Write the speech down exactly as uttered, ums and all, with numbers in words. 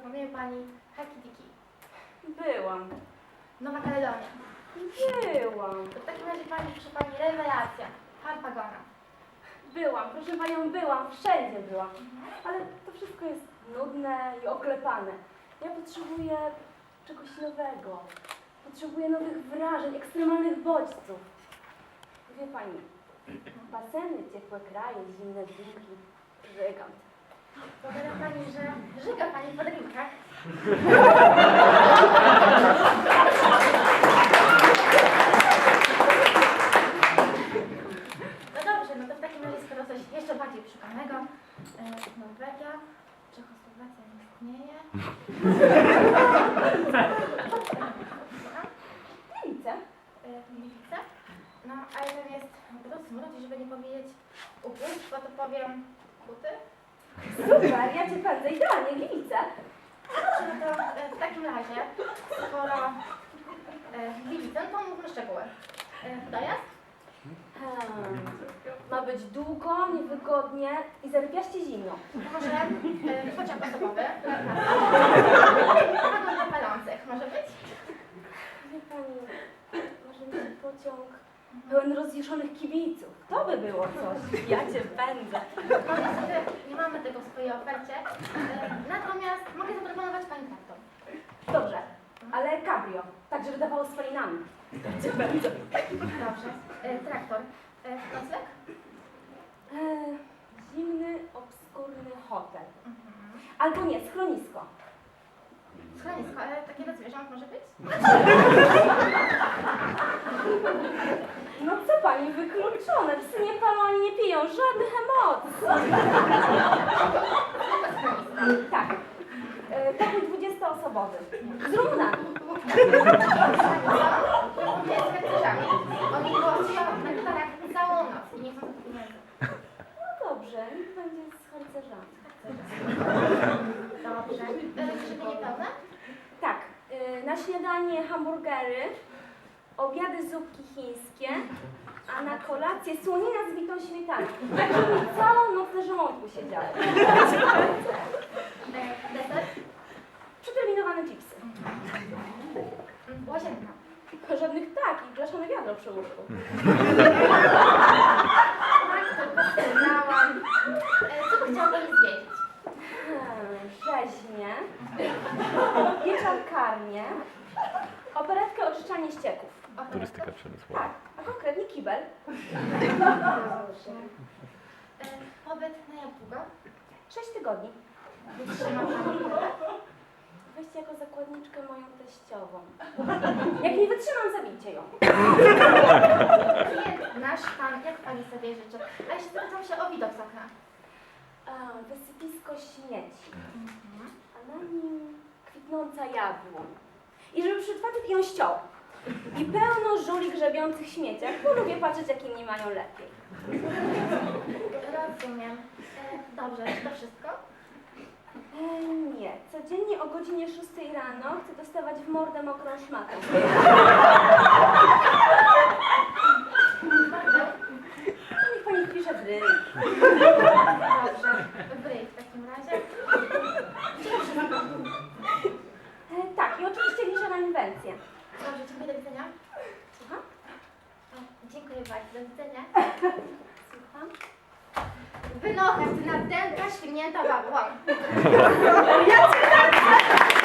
Wie pani Hakitiki. Byłam. Nowa Kaledonia. Byłam. To w takim razie pani, proszę pani, rewelacja. Harpagona. Byłam, proszę panią, byłam, wszędzie byłam. Ale to wszystko jest nudne i oklepane. Ja potrzebuję czegoś nowego. Potrzebuję nowych wrażeń, ekstremalnych bodźców. Wie pani, baseny, ciepłe kraje, zimne drinki, żygam. Powiada pani, że żyga pani po drinkach. No dobrze, no to w takim razie skoro coś jeszcze bardziej przekonanego. E, Norwegia, Czechosłowacja nie istnieje. Gliwice? E, Gliwice. No, ale tam jest do smrodzi, żeby nie powiedzieć ubóstwo, to powiem buty. Super, ja cię pędzę, idealnie, Gliwice. Dobrze, no to e, w takim razie, skoro e, Gliwice, no to mówmy szczegóły. E, dojazd? Hmm. Ma być długo, niewygodnie i zarypiaście zimno. Może e, pociąg osobowy? Wagon dla palących, może być? Wie pani, może mieć pociąg pełen rozjuszonych kibiców. To by było coś. Ja cię pędzę. No niestety nie mamy tego w swojej ofercie, e, natomiast mogę zaproponować pani traktor. Dobrze, ale cabrio, tak żeby dawało spalinami. Ja cię pędzę. Dobrze. E, traktor. E, nocleg? E, zimny, obskurny hotel. Mhm. Albo nie, schronisko. Schronisko, ale takie dla zwierząt może być? No co pani, wykluczone. Psy nie palą ani nie piją, żadnych emocji. Tak. E, pokój dwudziestoosobowy. Z Rumunami. Nie z harcerzami. Oni głosują na gitarach całą noc i nie chcą tych pieniędzy. No dobrze, niech będzie z harcerzami. Dobrze. E, Żywienie pełne? Tak, y, na śniadanie hamburgery, obiady zupki chińskie, a na kolację słonina z bitą śmietaną. Tak, żeby mi całą noc na żołądku siedziały. E, deser? Przeterminowane chipsy. Mm, Łazienka. Żadnych tak i blaszane wiadro przy łóżku. Tak, tylko wspomniałam. E, Co by chciała pani zwiedzić? Hmm, rzeźnie, wieczorkarnię, operetkę oczyszczanie ścieków. Turystyka przemysłowa. Tak, a konkretnie kibel. Dobrze. E, Pobyt na jak długo? Sześć tygodni. Wytrzyma pani tyle? Weźcie jako zakładniczkę moją teściową. Jak nie wytrzymam, zabijcie ją. Klient nasz pan, jak pani sobie życzy? A jeśli zapytam się o widok z okna? A, wysypisko śmieci, a na nim kwitnąca jabłoń. I żeby przyszedł facet i ją ściął. I pełno żuli grzebiących śmieciach, bo lubię patrzeć, jak inni mają lepiej. Rozumiem. E, Dobrze, czy to wszystko? E, nie, codziennie o godzinie szóstej rano chcę dostawać w mordę mokrą szmatę. Niech pani wpisze w ryj. Dobrze, w ryj w takim razie. Czy to wszystko? E, tak, i oczywiście liczę na inwencję. Dobrze, dziękuję, do widzenia. Słucham? E, Dziękuję bardzo, do widzenia. Słucham? Wynocha, ty na dęta świnięta babłon. Ja cię